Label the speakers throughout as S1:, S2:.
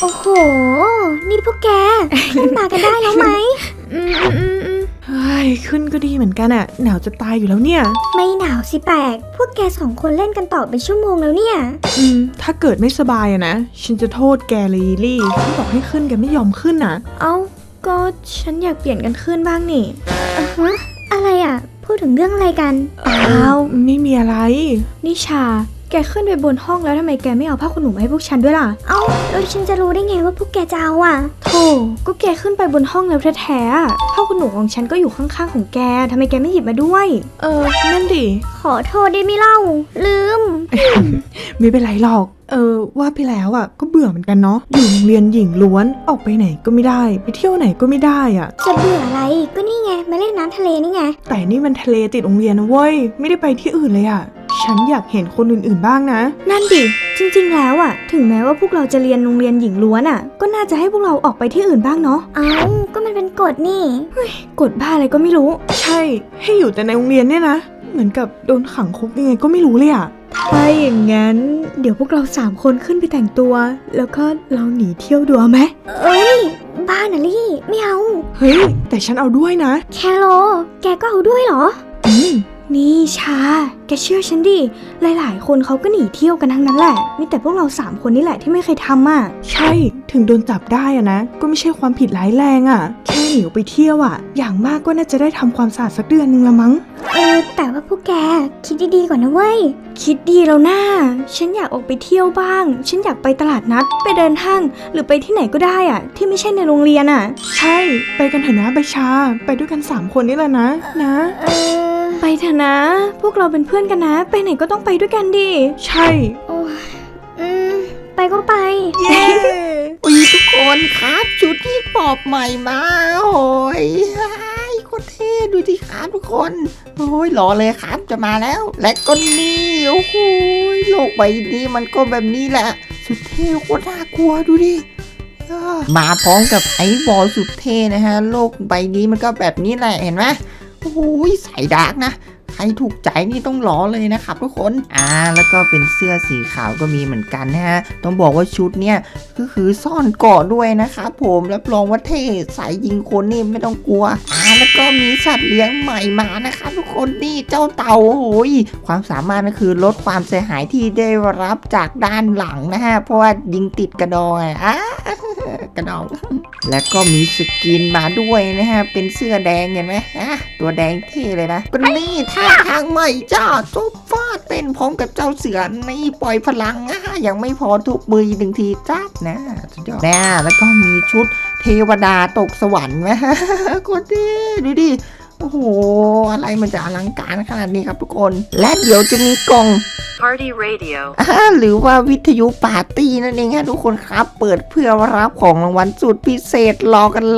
S1: โอ้โหนี่พวกแก ขึ้นมากันได้แล้วไหม
S2: เฮ้ยขึ้นก็ดีเหมือนกันอะหนาวจะตายอยู่แล้วเนี่ย
S1: ไม่หนาวสิแปลกพวกแกสองคนเล่นกันต่อเป็นชั่วโมงแล้วเนี่ย
S2: ถ้าเกิดไม่สบายอะนะฉันจะโทษแกเลยลิลลี่ที่บอกให้ขึ้นแกไม่ยอมขึ้นอะ
S1: เอ้าก็ฉันอยากเปลี่ยนกันขึ้นบ้างนี่ฮะอะไรอ่ะพูดถึงเรื่องอะไรกันเปล่า
S2: ไม่มีอะไร
S3: นิชาแกขึ้นไปบนห้องแล้วทำไมแกไม่เอาผ้าขนหนูมาให้พวกฉันด้วยล่ะ
S1: เอ้าแล้วฉันจะรู้ได้ไงว่าพวกแกจะเอาอ่ะ
S3: โธ่ก็แกขึ้นไปบนห้องแล้วแท้ๆอะผ้าขนหนูของฉันก็อยู่ข้างๆของแกทำไมแกไม่หยิบมาด้วย
S2: นั่นดิ
S1: ขอโทษได้ไหมเล่าลืม
S2: ไม่เป็นไรหรอกว่าไปแล้วอะก็เบื่อเหมือนกันเนาะอยู่โรงเรียนหญิงล้วนออกไปไหนก็ไม่ได้ไปเที่ยวไหนก็ไม่ได้อะ
S1: จะเบื่ออะไรก็นี่ไงมาเล่นน้ำทะเลนี่ไง
S2: แต่นี่มันทะเลติดโรงเรียนนะเว้ยไม่ได้ไปที่อื่นเลยอะฉันอยากเห็นคนอื่นๆบ้างนะ
S3: นั่นดิจริงๆแล้วอะถึงแม้ว่าพวกเราจะเรียนโรงเรียนหญิงล้วนอะก็น่าจะให้พวกเราออกไปที่อื่นบ้างเนาะ
S1: เอ้าก็มันเป็นกฎนี่
S3: กฎบ้าอะไรก็ไม่รู้
S2: ใช่ให้อยู่แต่ในโรงเรียนเนี่ยนะเหมือนกับโดนขังคุกยังไงก็ไม่รู้เลยอะ
S3: ถ้าอย่างงั้นเดี๋ยวพวกเรา3คนขึ้นไปแต่งตัว แล้วก็เราหนีเที่ยวดูเอาไหม
S1: เอ้ยบ้านะลี่ไม่เอา
S2: เฮ้ยแต่ฉันเอาด้วยนะ
S1: แคโรแกก็เอาด้วยเหรอ
S3: นี่ชาแกเชื่อฉันดิหลายๆคนเขาก็หนีเที่ยวกันทั้งนั้นแหละมีแต่พวกเรา3คนนี่แหละที่ไม่เคยทำอ่ะ
S2: ใช่ถึงโดนจับได้อะนะก็ไม่ใช่ความผิดร้ายแรงอะแค่หนีออกไปเที่ยวอะอย่างมากก็น่าจะได้ทำความสะอาดสักเดือนนึงละมั้ง
S1: แต่ว่าพวกแกคิดดีๆก่อนนะเว้ย
S3: คิดดีแล้วนะฉันอยากออกไปเที่ยวบ้าง ฉันอยากไปตลาดนัดไปเดินห้างหรือไปที่ไหนก็ได้อ่ะที่ไม่ใช่ในโรงเรียนอ่ะ
S2: ใช่ไปกันเถอะนะใบชาไปด้วยกัน3คนนี่แหละนะ
S3: ไปเถอะนะ พวกเราเป็นเพื่อนกันนะ ไปไหนก็ต้องไปด้วยกันดิ
S2: ใช่
S1: โอ้ยไปก็ไป
S2: เย้
S4: อุ้ยทุกคนครับชุดที่ปอบใหม่มาโอ้ยโคตรเท่ดูสิครับทุกคนโอ้ยรอเลยครับจะมาแล้ว และก็นี่โอ้โหโลกใบนี้มันก็แบบนี้แหละสุดเท่โคตรน่ากลัวดูดิมาพร้อมกับไอ้บอลสุดเท่นะฮะโลกใบนี้มันก็แบบนี้แหละเห็นไหมโอ้ยใส่ดาร์กนะใครถูกใจนี่ต้องรอเลยนะครับทุกคนแล้วก็เป็นเสื้อสีขาวก็มีเหมือนกันนะฮะต้องบอกว่าชุดเนี่ยก็คือซ่อนเกราะด้วยนะครับผมรับรองว่าเท่สายยิงคนนี่ไม่ต้องกลัวแล้วก็มีสัตว์เลี้ยงใหม่มานะครับทุกคนนี่เจ้าเต่าโอ้ยความสามารถก็คือลดความเสียหายที่ได้รับจากด้านหลังนะฮะเพราะว่ายิงติดกระดองกระดองและก็มีสกินมาด้วยนะฮะเป็นเสื้อแดงเห็นไหมตัวแดงเท่เลยนะก็นี่ท่าทางใหม่จ้าจุ๊บฟาดเต้นพร้อมกับเจ้าเสือนี่ปล่อยพลังยังไม่พอทุบมือ1ทีจ้านะสุดยอดแล้วก็มีชุดเทวดาตกสวรรค์นะโคตรดีดูดิโอ้โหอะไรมันจะอลังการขนาดนี้ครับทุกคนและเดี๋ยวจะมีกล่อง
S5: Party Radio
S4: หรือว่าวิทยุปาร์ตี้นั่นเองฮะทุกคนครับเปิดเพื่อรับของรางวัลสุดพิเศษรอกันเลย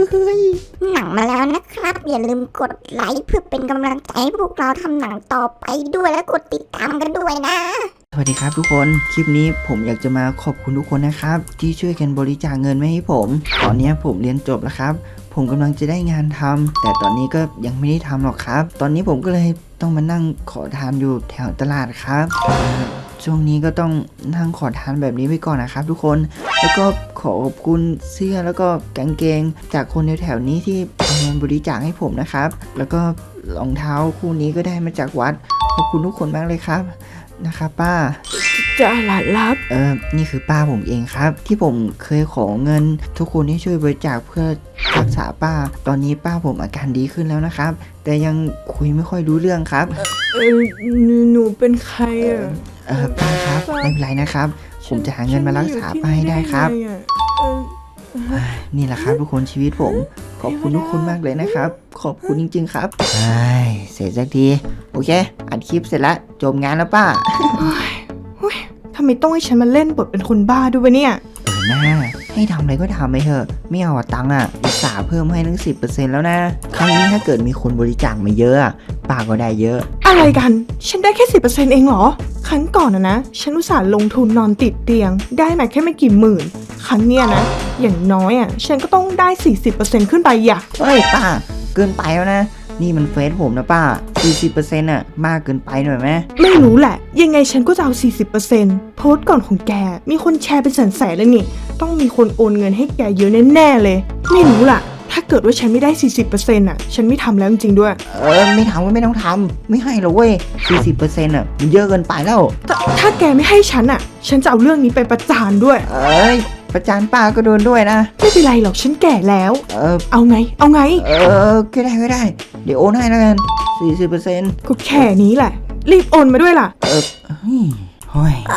S1: หนังมาแล้วนะครับ อย่าลืมกดไลค์เพื่อเป็นกำลังใจให้พวกเราทำหนังต่อไปด้วยและกดติดตามกันด้วยนะ
S4: สวัสดีครับทุกคนคลิปนี้ผมอยากจะมาขอบคุณทุกคนนะครับที่ช่วยกันบริจาคเงินมาให้ผมตอนนี้ผมเรียนจบแล้วครับผมกำลังจะได้งานทำแต่ตอนนี้ก็ยังไม่ได้ทำหรอกครับตอนนี้ผมก็เลยต้องมานั่งขอทานอยู่แถวตลาดครับช่วงนี้ก็ต้องนั่งขอทานแบบนี้ไปก่อนนะครับทุกคนแล้วก็ขอบคุณเสื้อแล้วก็กางเกงจากคนแถวๆนี้ที่เอาเงินบริจาคให้ผมนะครับแล้วก็รองเท้าคู่นี้ก็ได้มาจากวัดขอบคุณทุกคนมากเลยครับนะครับป้า
S2: จะหลานรับ
S4: นี่คือป้าผมเองครับที่ผมเคยขอเงินทุกคนให้ช่วยบริจาคเพื่อรักษาป้าตอนนี้ป้าผมอาการดีขึ้นแล้วนะครับแต่ยังคุยไม่ค่อยรู้เรื่องครับ
S2: หนูเป็นใคร
S4: ป้าครับไม่เป็นไรนะครับผมจะหาเงินมารักษาป้าให้ได้ครับนี่แหละครับทุกคนชีวิตผมขอบคุณทุกคนมากเลยนะครับขอบคุณจริงๆครับเสร็จสักทีโอเคอัดคลิปเสร็จแล้วจบงานแล้วป้า
S2: ทำไมต้องให้ฉันมาเล่นบทเป็นคนบ้าด้วยวะเนี่ย
S4: หน้าให้ทำอะไรก็ทำไปเถอะไม่เอาตังค์อุตส่าห์เพิ่มให้ตั้ง 10% แล้วนะครั้งนี้ถ้าเกิดมีคนบริจาคมาเยอะป้าก็ได้เยอะ
S2: อะไรกันฉันได้แค่ 10% เองเหรอครั้งก่อนนะฉันอุตส่าห์ลงทุนนอนติดเตียงได้มาแค่ไม่กี่หมื่นครั้งเนี้ยนะอย่างน้อยฉันก็ต้องได้ 40% ขึ้นไป
S4: เฮ้ยป้าเกินไปแล้วนะนี่มันเฟซผมนะป้า 40%อ่ะมากเกินไปหน่อยไหม
S2: ไม่รู้แหละ ยังไงฉันก็จะเอา 40%โพสต์ก่อนของแกมีคนแชร์เป็นแสนๆเลยนี่ต้องมีคนโอนเงินให้แกเยอะแน่ๆเลยไม่รู้ล่ะถ้าเกิดว่าฉันไม่ได้ 40%อ่ะฉันไม่ทำแล้วจริงๆด้วย
S4: ไม่ทำก็ไม่ต้องทำไม่ให้หรอกเว้ย 40%อ่ะมันเยอะเกินไปแล้ว
S2: ถ้าแกไม่ให้ฉันอ่ะฉันจะเอาเรื่องนี้ไปประจานด้วย
S4: ประจานป้าก็โดนด้วยนะ
S2: ไม่เป็นไรหรอกฉันแก่แล้ว
S4: เออ
S2: เอาไง
S4: ก็ได้ เดี๋ยวโอนให้แล้วกัน 40%
S2: ก็แค่นี้แหละรีบโอนมาด้วยล่ะ
S4: เฮ้ย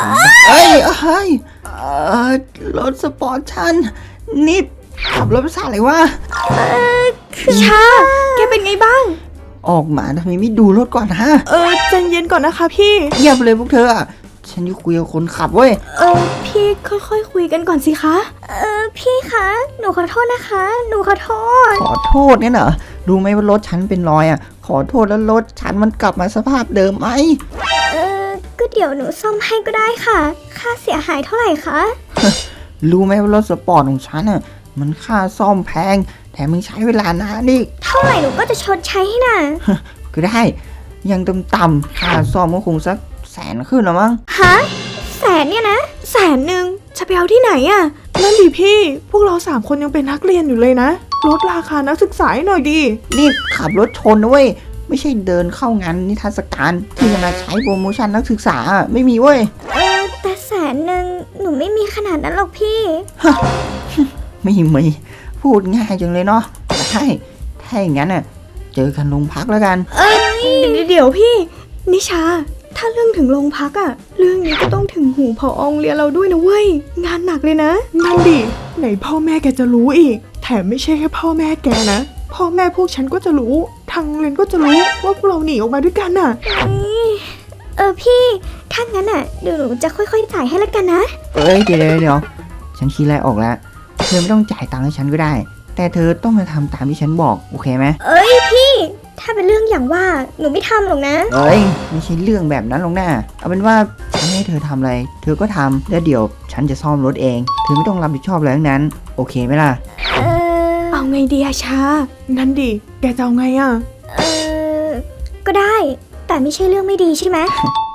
S4: รถสปอร์ตฉันนี่ขับรถภาษาอะไรวะ
S3: ชา แกเป็นไงบ้าง
S4: ออกมาทำไมไม่ดูรถก่อนฮะ
S2: ใจเย็นก่อนนะคะพี่
S4: เงียบเลยพวกเธออะฉันจะคุยกับคนขับเว้ย
S3: พี่ค่อยๆคุยกันก่อนสิคะ
S1: พี่คะหนูขอโทษนะคะหนูขอโทษ
S4: ขอโทษเนี่ยเหรอรู้ไหมว่ารถฉันเป็นรอยอ่ะขอโทษแล้วรถฉันมันกลับมาสภาพเดิมไหม
S1: ก็เดี๋ยวหนูซ่อมให้ก็ได้ค่ะ ค่าเสียหายเท่าไหร่คะ
S4: รู้ไหมว่ารถสปอร์ตของฉันอ่ะมันค่าซ่อมแพงแถมมึงใช้เวลานานอีก
S1: เท่าไหร่หนูก็จะชดใช้ให้น่ะ
S4: ก็ได้ยังต่ำๆค่าซ่อมก็คงสัก100,000ขึ้นหรอมั้ง
S1: ฮะแสนเนี่ยนะ
S3: 100,000จะไปเอาที่ไหนอะ
S2: นั่นดิพี่พวกเรา3คนยังเป็นนักเรียนอยู่เลยนะลดราคานักศึกษาให้หน่อยดิ
S4: นี่ขับรถชนนะเว้ยไม่ใช่เดินเข้างานนิทรรศการที่จะมาใช้โปรโมชั่นนักศึกษาอะไม่มีเว้ย
S1: แต่แสนหนึ่งหนูไม่มีขนาดนั้นหรอกพี่
S4: ไม่มีพูดง่ายจังเลยเนาะได้ถ้าอย่างนั้นน่ะเจอกันโรงพักแล้วกัน
S3: เดี๋ยวพี่ นิชา ถ้าเรื่องถึงโรงพักอะเรื่องนี้ก็ต้องถึงหูผอโรงเรียนเราด้วยนะเว้ย งานหนักเลยนะ
S2: นั่นดิไหนพ่อแม่แกจะรู้อีกแถมไม่ใช่แค่พ่อแม่แกนะพ่อแม่พวกฉันก็จะรู้ทางโรงเรียนก็จะรู้ว่าพวกเราหนีออกมาด้วยกันน่ะ
S1: พี่ถ้างั้นอ่ะเดี๋ยวหนูจะค่อยๆจ่ายให้ละกันนะ
S4: เดี๋ยวฉันคิดอะไรออกแล้วเธอไม่ต้องจ่ายตังค์ให้ฉันก็ได้ แต่เธอต้องมาทำตามที่ฉันบอกโอเคไหม
S1: พี่ถ้าเป็นเรื่องอย่างว่าหนูไม่ทำหรอกนะ
S4: ไม่ใช่เรื่องแบบนั้นหรอกนะเอาเป็นว่าฉันให้เธอทำอะไรเธอก็ทำแล้วเดี๋ยวฉันจะซ่อมรถเองเธอไม่ต้องรับผิดชอบอะไรทั้งนั้นโอเคไหมล่ะ
S3: เอาไงดีอะชา
S2: นั่นดิแกจะเอาไงอ่ะ
S1: ก็ได้ แต่ไม่ใช่เรื่องไม่ดีใช่ไหม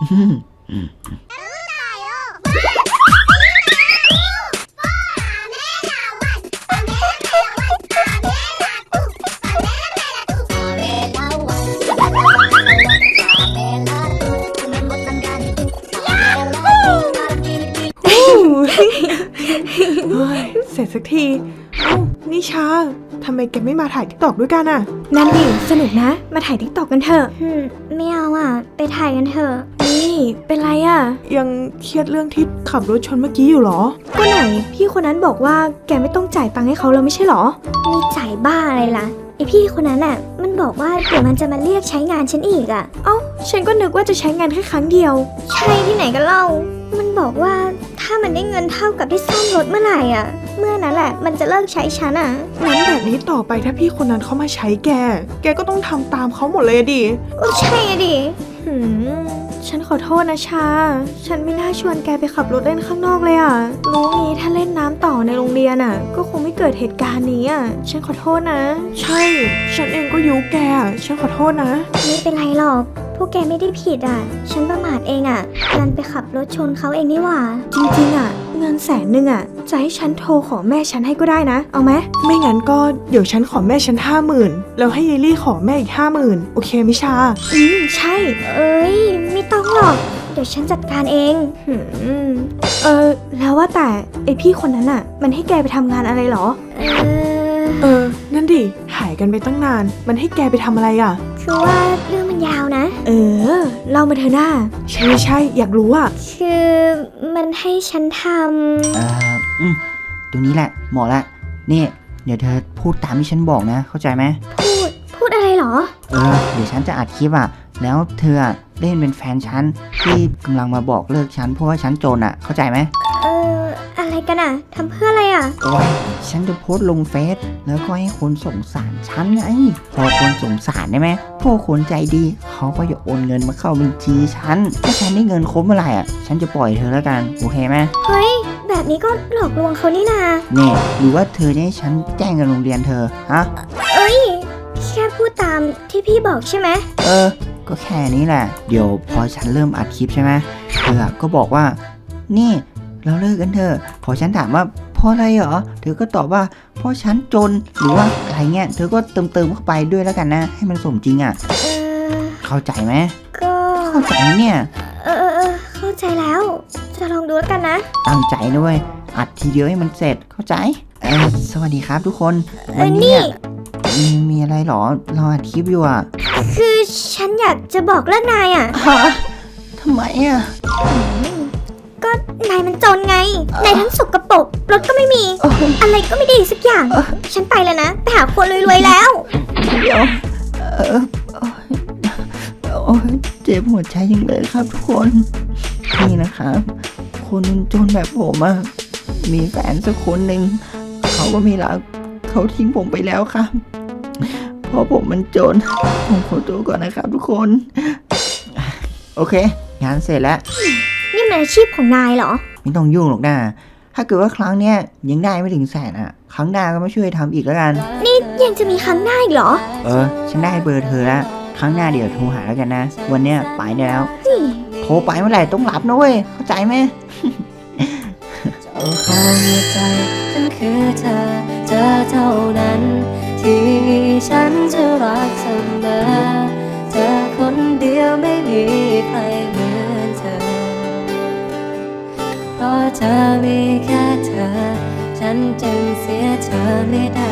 S2: เฮ้ยเสร็จสักทีเอ้านิชาทำไมแกไม่มาถ่ายทิกตอกด้วยกันอ่ะ
S3: นั่นดิ สนุกนะ มาถ่ายทิกตอกกันเถอะ
S1: ไม่เอาอ่ะ ไปถ่ายกันเถอะ
S3: นี่เป็นไรอะ
S2: ยังเครียดเรื่องที่ขับรถชนเมื่อกี้อยู่เหรอ
S3: ก็ไหนพี่คนนั้นบอกว่าแกไม่ต้องจ่ายตังค์ให้เขาแล้วไม่ใช่เหรอ
S1: มีจ่ายบ้าอะไรล่ะไอพี่คนนั้นอ่ะ มันบอกว่าเดี๋ยวมันจะมาเรียกใช้งานฉันอีกอ่ะ
S3: เอ้า ฉันก็นึกว่าจะใช้งานแค่ครั้งเดียว
S1: ใช่ที่ไหนกันเล่า มันบอกว่าถ้ามันได้เงินเท่ากับที่ซ่อมรถเมื่อไหร่อ่ะ เมื่อนั้นแหละมันจะเลิกใช้ฉันอ่ะ
S2: งั้นแบบนี้ต่อไปถ้าพี่คนนั้นเขามาใช้แกก็ต้องทำตามเขาหมดเลยอะดิ
S1: ก็ใช่อะดิ
S3: ฉันขอโทษนะชา ฉันไม่น่าชวนแกไปขับรถเล่นข้างนอกเลยอ่ะ รู้งี้ถ้าเล่นน้ำต่อในโรงเรียนอ่ะ ก็คงไม่เกิดเหตุการณ์นี้อ่ะ ฉันขอโทษนะ
S2: ใช่ ฉันเองก็ยุแกอะฉันขอโทษนะ
S1: ไม่เป็นไรหรอก พวกแกไม่ได้ผิดอ่ะ ฉันประมาทเองอ่ะดันไปขับรถชนเขาเองนี่หว่า
S3: จริงๆอ่ะ เงิน100,000อ่ะ จะให้ฉันโทรขอแม่ฉันให้ก็ได้นะ เอาไหม
S2: ไม่งั้นก็เดี๋ยวฉันขอแม่ฉัน50,000แล้วให้เยลลี่ขอแม่อีก50,000โอเคไหมชา
S3: ใช่
S1: เอ้ย ไม่ต้องหรอก เดี๋ยวฉันจัดการเอง
S3: แล้วว่าแต่ไอพี่คนนั้นอ่ะ มันให้แกไปทำงานอะไรเหรอ
S2: นั่นดิหายกันไปตั้งนาน มันให้แกไปทำอะไรอ่ะ
S1: คือว่าเรื่องมันยาวนะ
S3: เล่ามาเถอะหน้า
S2: ใช่อยากรู้อ่ะ
S1: คือมันให้ฉันท
S4: ตรงนี้แหละเหมาะละนี่เดี๋ยวเธอพูดตามที่ฉันบอกนะเข้าใจไหม
S1: ำพูดอะไรเหรอ
S4: เดี๋ยวฉันจะอัดคลิปอ่ะแล้วเธออะเล่นเป็นแฟนฉันที่กำลังมาบอกเลิกฉันเพราะว่าฉันจนอ่ะเข้าใจไหม
S1: อะไรกันอ่ะทำเพื่ออะไรอ่ะ
S4: โอ้ยฉันจะโพสต์ลงเฟซแล้วก็ให้คนสงสารฉันไงพอคนสงสารได้ไหมพวกคนใจดีเขาก็จะโอนเงินมาเข้าบัญชีฉันถ้าฉันได้เงินครบเมื่อไหร่อ่ะฉันจะปล่อยเธอแล้วกันโอเคไหม
S1: เฮ้ย แบบนี้ก็หลอกลวงเขานี่นา
S4: เนี่ยหรือว่าเธอจะให้ฉันแจ้งกับโรงเรียนเธอฮะ
S1: แค่พูด
S3: พูดตามที่พี่บอกใช่ไหม
S4: ก็แค่นี้แหละ เดี๋ยวพอฉันเริ่มอัดคลิปใช่ไหมเธอก็บอกว่า นี่เราเลิกกันเถอะพอฉันถามว่าเพราะอะไรเหรอเธอก็ตอบว่าเพราะฉันจนหรือว่าอะไรเงี้ยเธอก็เติมเข้าไปด้วยแล้วกันนะให้มันสมจริงอ่ะ เข้าใจไหม
S3: ก็
S4: เข้าใจเนี่ย
S3: เข้าใจแล้ว จะลองดูแล้วกันนะ
S4: ตั้งใจด้วยอัดทีเดียวให้มันเสร็จเข้าใจสวัสดีครับทุกคนวันนี้มีอะไรหรอเราอัดคลิปอยู่อ่ะ
S3: คือฉันอยากจะบอกเลิกนายอ่ะ
S4: ทำไมอ่ะ
S3: ก็นายมันจนไง นายทั้งสกปรกรถก็ไม่มี อะไรก็ไม่ดีสักอย่าง ฉันไปแล้วนะ ไปหาคนรวยๆแล้ว
S4: เดี๋ยวโอ้ยเจ็บหัวใจจังเลยครับทุกคนนี่นะครับคนจนแบบผมอะมีแฟนสักคนหนึ่งเขาก็ไม่รักเขาทิ้งผมไปแล้วครับเพราะผมมันจนผมขอตัวก่อนนะครับทุกคนโอเค งานเสร็จแล้ว
S3: นี่มันอาชีพของนายเหรอ
S4: ไม่ต้องยุ่งหรอกนะถ้าเกิดว่าครั้งเนี้ยยังได้ไม่ถึงแสนอะครั้งหน้าก็มาช่วยทำอีกแล้วกัน
S3: นี่ยังจะมีครั้งหน้าอีกเหรอ
S4: ฉันได้เบอร์เธอแล้วครั้งหน้าเดี๋ยวโทรหาแล้วกันนะ วันเนี้ยไปได้แล้ว โทรไปเมื่อไหร่ต้องรับนะเว้ยเข้าใจไหม
S5: เจ้าของหัวใจฉันคือเธอเท่านั้น ที่ฉันจะรักเสมอเธอคนเดียวไม่มีใครเหมือนเธอ เพราะเธอมีแค่เธอ ฉันจึงเสียเธอไม่ได้